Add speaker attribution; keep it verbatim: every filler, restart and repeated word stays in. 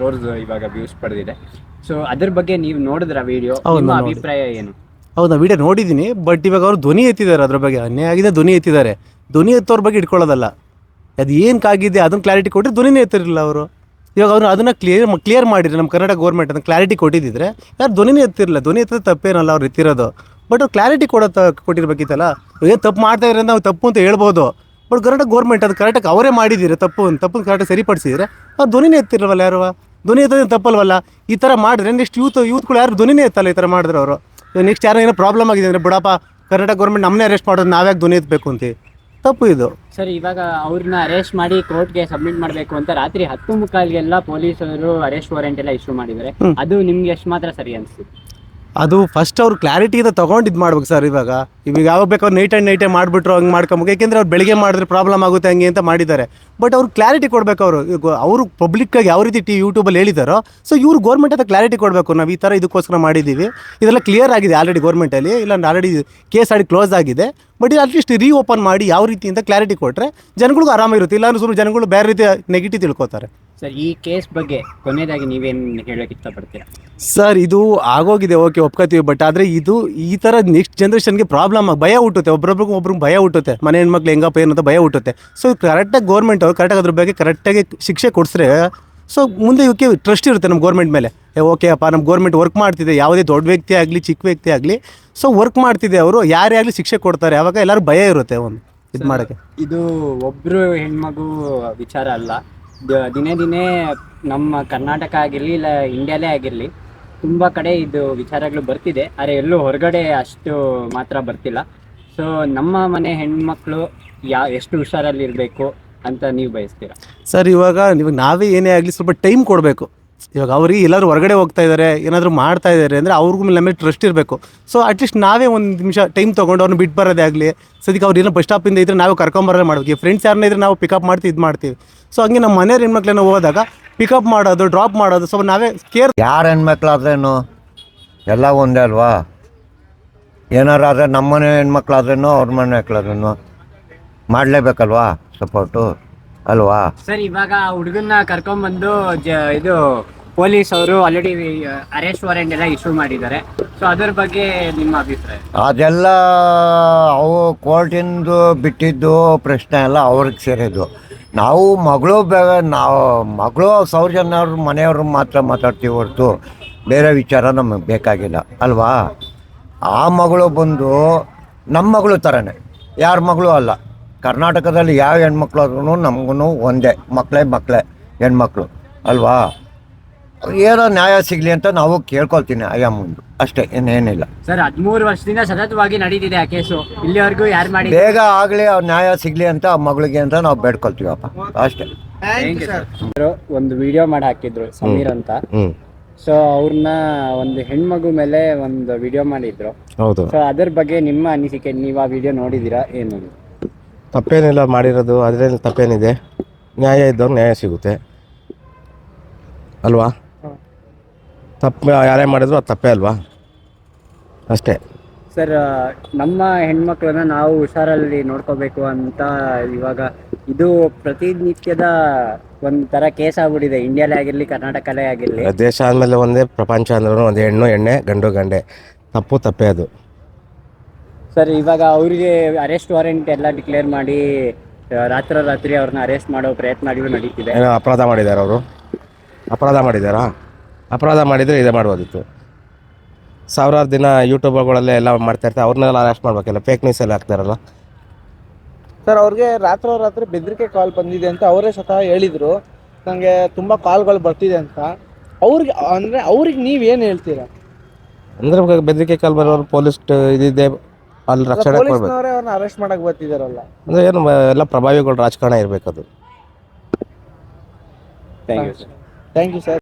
Speaker 1: ಕ್ರೋರ್ಸ್ ಇವಾಗ ವ್ಯೂಸ್ ಪಡೆದಿದೆ. ಸೊ ಅದ್ರ ಬಗ್ಗೆ ನೀವು ನೋಡಿದ್ರ ವಿಡಿಯೋ, ನಿಮ್ಮ ಅಭಿಪ್ರಾಯ ಏನು?
Speaker 2: ಹೌದಾ, ವಿಡಿಯೋ ನೋಡಿದ್ದೀನಿ. ಬಟ್ ಇವಾಗ ಅವರು ಧ್ವನಿ ಎತ್ತಿದ್ದಾರೆ, ಅದ್ರ ಬಗ್ಗೆ ಅನ್ಯಾಯ ಆಗಿದೆ, ಧ್ವನಿ ಎತ್ತಿದ್ದಾರೆ. ಧ್ವನಿ ಎತ್ತೋರ ಬಗ್ಗೆ ಇಟ್ಕೊಳ್ಳೋದಲ್ಲ, ಅದು ಏನಕ್ಕಾಗಿದೆ ಅದನ್ನು ಕ್ಲಾರಿಟಿ ಕೊಟ್ಟರೆ ಧ್ವನಿನೇ ಎತ್ತಿರಲಿಲ್ಲ ಅವರು. ಇವಾಗ ಅವರು ಅದನ್ನು ಕ್ಲಿಯರ್ ಕ್ಲಿಯರ್ ಮಾಡಿದ್ರೆ ನಮ್ಮ ಕರ್ನಾಟಕ ಗೌರ್ಮೆಂಟ್ ಅದನ್ನು ಕ್ಲಾರಿಟಿ ಕೊಟ್ಟಿದ್ದಿದ್ರೆ ಯಾರು ಧ್ವನಿನೇ ಎತ್ತಿರಲಿಲ್ಲ. ಧ್ವನಿ ಎತ್ತೋದು ತಪ್ಪೇನಲ್ಲ ಅವ್ರು ಎತ್ತಿರೋದು, ಬಟ್ ಅವ್ರು ಕ್ಲಾರಿಟಿ ಕೊಡೋ ಕೊಟ್ಟಿರ್ಬೇಕಿತ್ತಲ್ಲ. ಏನು ತಪ್ಪು ಮಾಡ್ತಾ ಇದ್ರೆ ನಾವು ತಪ್ಪು ಅಂತ ಹೇಳ್ಬೋದು, ಬಟ್ ಕರ್ನಾಟಕ ಗೌರ್ಮೆಂಟ್ ಅದು ಕರೆಕ್ಟಾಗಿ ಅವರೇ ಮಾಡಿದ್ದೀರಿ ತಪ್ಪು ತಪ್ಪನ್ನು ಕರೆಕ್ಟಾಗಿ ಸರಿಪಡಿಸಿದ್ರೆ ಅವ್ರು ಧ್ವನಿನೇ ಎತ್ತಿರಲ್ವಲ್ಲ ಯಾರು. ಧ್ವನಿ ಎತ್ತೋದು ತಪ್ಪಲ್ವಲ್ಲ. ಈ ಥರ ಮಾಡಿದ್ರೆ ನೆಕ್ಸ್ಟ್ ಯೂತ್ ಯೂತ್ಗಳು ಯಾರು ಧ್ವನಿನೇ ಎತ್ತಲ್ಲ ಈ ಥರ ಮಾಡಿದ್ರೆ ಅವರು. ನೆಕ್ಸ್ಟ್ ಯಾರೋ ಏನೋ ಪ್ರಾಬ್ಲಮ್ ಆಗಿದೆ ಅಂದರೆ ಬಿಡಪ್ಪ ಕರ್ನಾಟಕ ಗೌರ್ಮೆಂಟ್ ನಮ್ಮನ್ನೇ ಅರೆಸ್ಟ್ ಮಾಡೋದು, ನಾವ್ಯಾಕೆ ಧ್ವನಿ ಎತ್ತಬೇಕು ಅಂತ. ತಪ್ಪು ಇದು
Speaker 1: ಸರ್. ಇವಾಗ ಅವ್ರನ್ನ ಅರೆಸ್ಟ್ ಮಾಡಿ ಕೋರ್ಟ್ಗೆ ಸಬ್ಮಿಟ್ ಮಾಡಬೇಕು ಅಂತ ರಾತ್ರಿ ಹತ್ತು ಮುಕ್ಕಾಲ್ಗೆಲ್ಲ ಪೊಲೀಸರು ಅರೆಸ್ಟ್ ವಾರೆಂಟ್ ಎಲ್ಲ ಇಶ್ಯೂ ಮಾಡಿದ್ದಾರೆ. ಅದು ನಿಮ್ಗೆ ಎಷ್ಟು ಮಾತ್ರ ಸರಿ ಅನಿಸ್ತು?
Speaker 2: ಅದು ಫಸ್ಟ್ ಅವ್ರು ಕ್ಲಾರಿಟಿಯಿಂದ ತೊಗೊಂಡು ಇದು ಮಾಡ್ಬೇಕು ಸರ್. ಇವಾಗ ಇವಾಗ ಯಾವಾಗ ಬೇಕು ಅವ್ರು ನೈಟ್ ಆ್ಯಂಡ್ ನೈಟೇ ಮಾಡಿಬಿಟ್ರು ಹಂಗೆ ಮಾಡ್ಕೊಬೇಕು. ಯಾಕೆಂದರೆ ಅವ್ರು ಬೆಳಿಗ್ಗೆ ಮಾಡಿದ್ರೆ ಪ್ರಾಬ್ಲಮ್ ಆಗುತ್ತೆ ಹಂಗೆ ಅಂತ ಮಾಡಿದ್ದಾರೆ. ಬಟ್ ಅವ್ರು ಕ್ಲಾರಿಟಿ ಕೊಡಬೇಕು. ಅವರು ಅವರು ಪಬ್ಲಿಕ್ಕಾಗಿ ಯಾವ ರೀತಿ ಟಿ ಯೂಟ್ಯೂಬಲ್ಲಿ ಹೇಳಿದಾರೋ, ಸೊ ಇವ್ರು ಗೌರ್ಮೆಂಟ್ ಹತ್ರ ಕ್ಲಾರಿಟಿ ಕೊಡಬೇಕು. ನಾವು ಈ ಥರ ಇದಕ್ಕೋಸ್ಕರ ಮಾಡಿದ್ದೀವಿ, ಇದೆಲ್ಲ ಕ್ಲಿಯರ್ ಆಗಿದೆ ಆಲ್ರೆಡಿ ಗೌರ್ಮೆಂಟಲ್ಲಿ, ಇಲ್ಲ ಆಲ್ರೆಡಿ ಕೇಸ್ ಆಡಿ ಕ್ಲೋಸ್ ಆಗಿದೆ. ಬಟ್ ಇದು ಅಟ್ಲೀಸ್ಟ್ ರೀ ಓಪನ್ ಮಾಡಿ ಯಾವ ರೀತಿ ಅಂತ ಕ್ಲಾರಿಟಿ ಕೊಟ್ಟರೆ ಜನಗಳಿಗೂ ಆರಾಮಾಗಿರುತ್ತೆ. ಇಲ್ಲಾಂದ್ರೆ ಸುಮ್ಮನೆ ಜನಗಳು ಬೇರೆ ರೀತಿ ನೆಗೆಟಿವ್ ತಿಳ್ಕೊತಾರೆ.
Speaker 1: ಸರ್, ಈ ಕೇಸ್ ಬಗ್ಗೆ ಕೊನೆಯದಾಗಿ ನೀವೇನು ಹೇಳೋಕೆ ಇಷ್ಟಪಡ್ತೀರಾ?
Speaker 2: ಸರ್, ಇದು ಆಗೋಗಿದೆ, ಓಕೆ ಒಪ್ಕೋತೀವಿ. ಬಟ್ ಆದರೆ ಇದು ಈ ಥರ ನೆಕ್ಸ್ಟ್ ಜನ್ರೇಷನ್ಗೆ ಪ್ರಾಬ್ಲಮ್ ಆಗಿ ಭಯ ಹುಟ್ಟುತ್ತೆ. ಒಬ್ಬರೊಬ್ರಿಗೂ ಒಬ್ರಿಗೆ ಭಯ ಹುಟ್ಟುತ್ತೆ. ಮನೆ ಹೆಣ್ಮಕ್ಳು ಹೆಂಗಪ್ಪ ಏನಂತ ಭಯ ಹುಟ್ಟುತ್ತೆ. ಸೊ ಕರೆಕ್ಟಾಗಿ ಗೌರ್ಮೆಂಟ್ ಅವರು ಕರೆಕ್ಟಾಗಿ ಅದ್ರ ಬಗ್ಗೆ ಕರೆಕ್ಟಾಗಿ ಶಿಕ್ಷೆ ಕೊಡಿಸ್ರೆ ಸೊ ಮುಂದೆ ಇವಕ್ಕೆ ಟ್ರಸ್ಟ್ ಇರುತ್ತೆ ನಮ್ಮ ಗೌರ್ಮೆಂಟ್ ಮೇಲೆ. ಓಕೆ ಅಪ್ಪ, ನಮ್ಮ ಗೌರ್ಮೆಂಟ್ ವರ್ಕ್ ಮಾಡ್ತಿದೆ, ಯಾವುದೇ ದೊಡ್ಡ ವ್ಯಕ್ತಿ ಆಗಲಿ ಚಿಕ್ಕ ವ್ಯಕ್ತಿ ಆಗಲಿ ಸೊ ವರ್ಕ್ ಮಾಡ್ತಿದೆ, ಅವರು ಯಾರೇ ಆಗಲಿ ಶಿಕ್ಷೆ ಕೊಡ್ತಾರೆ. ಆವಾಗ ಎಲ್ಲರೂ ಭಯ ಇರುತ್ತೆ ಒಂದು ಇದು ಮಾಡೋಕ್ಕೆ.
Speaker 1: ಇದು ಒಬ್ಬರು ಹೆಣ್ಮಗು ವಿಚಾರ ಅಲ್ಲ, ದಿನೇ ದಿನೇ ನಮ್ಮ ಕರ್ನಾಟಕ ಆಗಿರಲಿ ಇಲ್ಲ ಇಂಡಿಯಾಲೇ ಆಗಿರಲಿ ತುಂಬ ಕಡೆ ಇದು ವಿಚಾರಗಳು ಬರ್ತಿದೆ. ಆದರೆ ಎಲ್ಲೂ ಹೊರಗಡೆ ಅಷ್ಟು ಮಾತ್ರ ಬರ್ತಿಲ್ಲ. ಸೊ ನಮ್ಮ ಮನೆ ಹೆಣ್ಮಕ್ಳು ಯಾ ಎಷ್ಟು ಹುಷಾರಲ್ಲಿರಬೇಕು ಅಂತ ನೀವು ಬಯಸ್ತೀರಾ?
Speaker 2: ಸರ್, ಇವಾಗ ಇವಾಗ ನಾವೇ ಏನೇ ಆಗಲಿ ಸ್ವಲ್ಪ ಟೈಮ್ ಕೊಡಬೇಕು. ಇವಾಗ ಅವ್ರಿಗೆ ಎಲ್ಲರೂ ಹೊರಗಡೆ ಹೋಗ್ತಾ ಇದ್ದಾರೆ, ಏನಾದರೂ ಮಾಡ್ತಾ ಇದ್ದಾರೆ ಅಂದರೆ ಅವ್ರಿಗೂ ಮೇಲೆ ನಮಗೆ ಟ್ರಸ್ಟ್ ಇರಬೇಕು. ಸೊ ಅಟ್ಲೀಸ್ಟ್ ನಾವೇ ಒಂದು ನಿಮಿಷ ಟೈಮ್ ತೊಗೊಂಡು ಅವ್ರನ್ನ ಬಿಟ್ಟು ಬರೋದೇ ಆಗಲಿ, ಸದ್ಯಕ್ಕೆ ಅವ್ರು ಏನೋ ಬಸ್ ಸ್ಟಾಪಿಂದ ಇದ್ದರೆ ನಾವು ಕರ್ಕೊಂಬರೋದೇ ಮಾಡ್ಬೇಕು. ಫ್ರೆಂಡ್ಸ್ ಯಾರನ್ನ ಇದ್ದರೆ ನಾವು ಪಿಕಪ್ ಮಾಡ್ತೀವಿ, ಇದು ಮಾಡ್ತೀವಿ. ಸೊ ಹಂಗೆ ನಮ್ಮ ಮನೆಯವ್ರ ಹೆಣ್ಮಕ್ಳನ್ನ ಹೋದಾಗ ಪಿಕಪ್ ಮಾಡೋದು, ಡ್ರಾಪ್ ಮಾಡೋದು, ಸ್ವಲ್ಪ ನಾವೇ ಕೇರ್.
Speaker 3: ಯಾರು ಹೆಣ್ಮಕ್ಳಾದ್ರೇನು ಎಲ್ಲ ಒಂದೇ ಅಲ್ವಾ? ಏನಾರು ಆದರೆ ನಮ್ಮ ಮನೆ ಹೆಣ್ಮಕ್ಳಾದ್ರೇನು ಅವ್ರ ಮನೆ ಮಕ್ಳಾದ್ರೇನು ಮಾಡಲೇಬೇಕಲ್ವಾ ಸಪೋರ್ಟು ಅಲ್ವಾ?
Speaker 1: ಸರ್, ಇವಾಗ ಹುಡುಗನ್ನ ಕರ್ಕೊಂಡ್ಬಂದು ಜ ಇದು ಪೊಲೀಸ್ ಅವರು ಆಲ್ರೆಡಿ ಅರೆಸ್ಟ್ ವಾರೆಂಟ್ ಎಲ್ಲ ಇಶ್ಯೂ ಮಾಡಿದ್ದಾರೆ. ಸೊ ಅದ್ರ ಬಗ್ಗೆ ನಿಮ್ಮ ಅಭಿಪ್ರಾಯ?
Speaker 3: ಅದೆಲ್ಲ ಅವು ಕೋರ್ಟಿಂದು ಬಿಟ್ಟಿದ್ದು ಪ್ರಶ್ನೆ ಎಲ್ಲ ಅವ್ರಿಗೆ ಸೇರಿದ್ದು. ನಾವು ಮಗಳು ಬೇ ನಾವು ಮಗಳು ಸೌಜನ್ಯವ್ರ ಮನೆಯವ್ರು ಮಾತ್ರ ಮಾತಾಡ್ತೀವಿ ಹೊರತು ಬೇರೆ ವಿಚಾರ ನಮಗೆ ಬೇಕಾಗಿಲ್ಲ ಅಲ್ವಾ? ಆ ಮಗಳು ಬಂದು ನಮ್ಮ ಮಗಳು ಥರನೇ, ಯಾರ ಮಗಳು ಅಲ್ಲ. ಕರ್ನಾಟಕದಲ್ಲಿ ಯಾವ ಹೆಣ್ಮಕ್ಳು ಆದ್ರೂ ನಮಗೂ ಒಂದೇ, ಮಕ್ಕಳೇ ಮಕ್ಕಳೇ ಹೆಣ್ಮಕ್ಳು ಅಲ್ವಾ? ಏನೋ ನ್ಯಾಯ ಸಿಗಲಿ ಅಂತ ನಾವು ಕೇಳ್ಕೊಳ್ತೀನಿ ಅಯ್ಯ ಮುಂದೆ, ಅಷ್ಟೇ, ಇನ್ನೇನಿಲ್ಲ.
Speaker 1: ಸರ್, ಹದಿಮೂರು ವರ್ಷದಿಂದ ಸತತವಾಗಿ ನಡೀತಿದೆ ಆ ಕೇಸು, ಇಲ್ಲಿವರೆಗೂ ಯಾರು ಮಾಡಿ
Speaker 3: ಬೇಗ ಆಗಲಿ ಅವ್ರು ನ್ಯಾಯ ಸಿಗಲಿ ಅಂತ ಆ ಮಗಳಿಗೆ ಅಂತ ನಾವು ಬೇಡ್ಕೊಳ್ತೀವಪ್ಪ, ಅಷ್ಟೇ.
Speaker 1: ಒಂದು ವಿಡಿಯೋ ಮಾಡಿ ಹಾಕಿದ್ರು ಸಮೀರ್ ಅಂತ. ಸೊ ಅವ್ರನ್ನ ಒಂದು ಹೆಣ್ಮಗು ಮೇಲೆ ಒಂದು ವಿಡಿಯೋ ಮಾಡಿದ್ರು.
Speaker 4: ಹೌದು.
Speaker 1: ಸೊ ಅದ್ರ ಬಗ್ಗೆ ನಿಮ್ಮ ಅನಿಸಿಕೆ, ನೀವು ಆ ವಿಡಿಯೋ ನೋಡಿದ್ದೀರಾ? ಏನು
Speaker 4: ತಪ್ಪೇನಿಲ್ಲ ಮಾಡಿರೋದು, ಅದರಲ್ಲಿ ತಪ್ಪೇನಿದೆ? ನ್ಯಾಯ ಇದ್ದವ್ರು ನ್ಯಾಯ ಸಿಗುತ್ತೆ ಅಲ್ವಾ? ತಪ್ಪು ಯಾರೇ ಮಾಡಿದ್ರು ಅದು ತಪ್ಪೇ ಅಲ್ವಾ? ಅಷ್ಟೇ.
Speaker 1: ಸರ್, ನಮ್ಮ ಹೆಣ್ಮಕ್ಳನ್ನ ನಾವು ಹುಷಾರಲ್ಲಿ ನೋಡ್ಕೋಬೇಕು ಅಂತ ಇವಾಗ ಇದು ಪ್ರತಿನಿತ್ಯದ ಒಂಥರ ಕೇಸ್ ಆಗ್ಬಿಟ್ಟಿದೆ, ಇಂಡಿಯಾಲೇ ಆಗಿರಲಿ ಕರ್ನಾಟಕಲ್ಲೇ ಆಗಿರಲಿ.
Speaker 4: ದೇಶ ಆದಮೇಲೆ ಒಂದೇ, ಪ್ರಪಂಚ ಅಂದ್ರೂ ಒಂದು ಹೆಣ್ಣು ಎಣ್ಣೆ ಗಂಡು ಗಂಡೆ, ತಪ್ಪು ತಪ್ಪೇ ಅದು.
Speaker 1: ಸರ್, ಇವಾಗ ಅವರಿಗೆ ಅರೆಸ್ಟ್ ವಾರೆಂಟ್ ಎಲ್ಲ ಡಿಕ್ಲೇರ್ ಮಾಡಿ ರಾತ್ರೋರಾತ್ರಿ ಅವ್ರನ್ನ ಅರೆಸ್ಟ್ ಮಾಡೋ ಪ್ರಯತ್ನಗಳು ನಡೀತಿದೆ.
Speaker 4: ಏನೋ ಅಪರಾಧ ಮಾಡಿದ್ದಾರೆ ಅವರು? ಅಪರಾಧ ಮಾಡಿದ್ದಾರಾ? ಅಪರಾಧ ಮಾಡಿದರೆ ಇದೇ ಮಾಡ್ಬೋದಿತ್ತು. ಸಾವಿರಾರು ದಿನ ಯೂಟ್ಯೂಬ್ಗಳಲ್ಲೇ ಎಲ್ಲ ಮಾಡ್ತಾಯಿರ್ತಾರೆ, ಅವ್ರನ್ನೆಲ್ಲ ಅರೆಸ್ಟ್ ಮಾಡಬೇಕಲ್ಲ, ಫೇಕ್ ನ್ಯೂಸ್ ಎಲ್ಲ ಹಾಕ್ತಾರಲ್ಲ.
Speaker 5: ಸರ್, ಅವ್ರಿಗೆ ರಾತ್ರೋರಾತ್ರಿ ಬೆದರಿಕೆ ಕಾಲ್ ಬಂದಿದೆ ಅಂತ ಅವರೇ ಸ್ವತಃ ಹೇಳಿದರು. ನನಗೆ ತುಂಬ ಕಾಲ್ಗಳು ಬರ್ತಿದೆ ಅಂತ. ಅವ್ರಿಗೆ ಅಂದರೆ ಅವ್ರಿಗೆ ನೀವೇನು ಹೇಳ್ತೀರಾ?
Speaker 4: ಅಂದರೆ ಬೆದರಿಕೆ ಕಾಲ್ ಬರೋರು ಪೊಲೀಸ್ ಇದಿದೆ ಅಲ್ಲಿ ರಕ್ಷಣೆ ಕೊಡಬೇಕು.
Speaker 5: ಅವ್ರನ್ನ ಅರೆಸ್ಟ್ ಮಾಡಕ್ಕೆ ಬರ್ತಿದ್ದಾರಲ್ಲ
Speaker 4: ಅಂದರೆ ಏನು ಎಲ್ಲ ಪ್ರಭಾವಿಗಳು ರಾಜಕಾರಣ ಇರಬೇಕದು.
Speaker 1: Thank you sir.
Speaker 5: Thank you sir.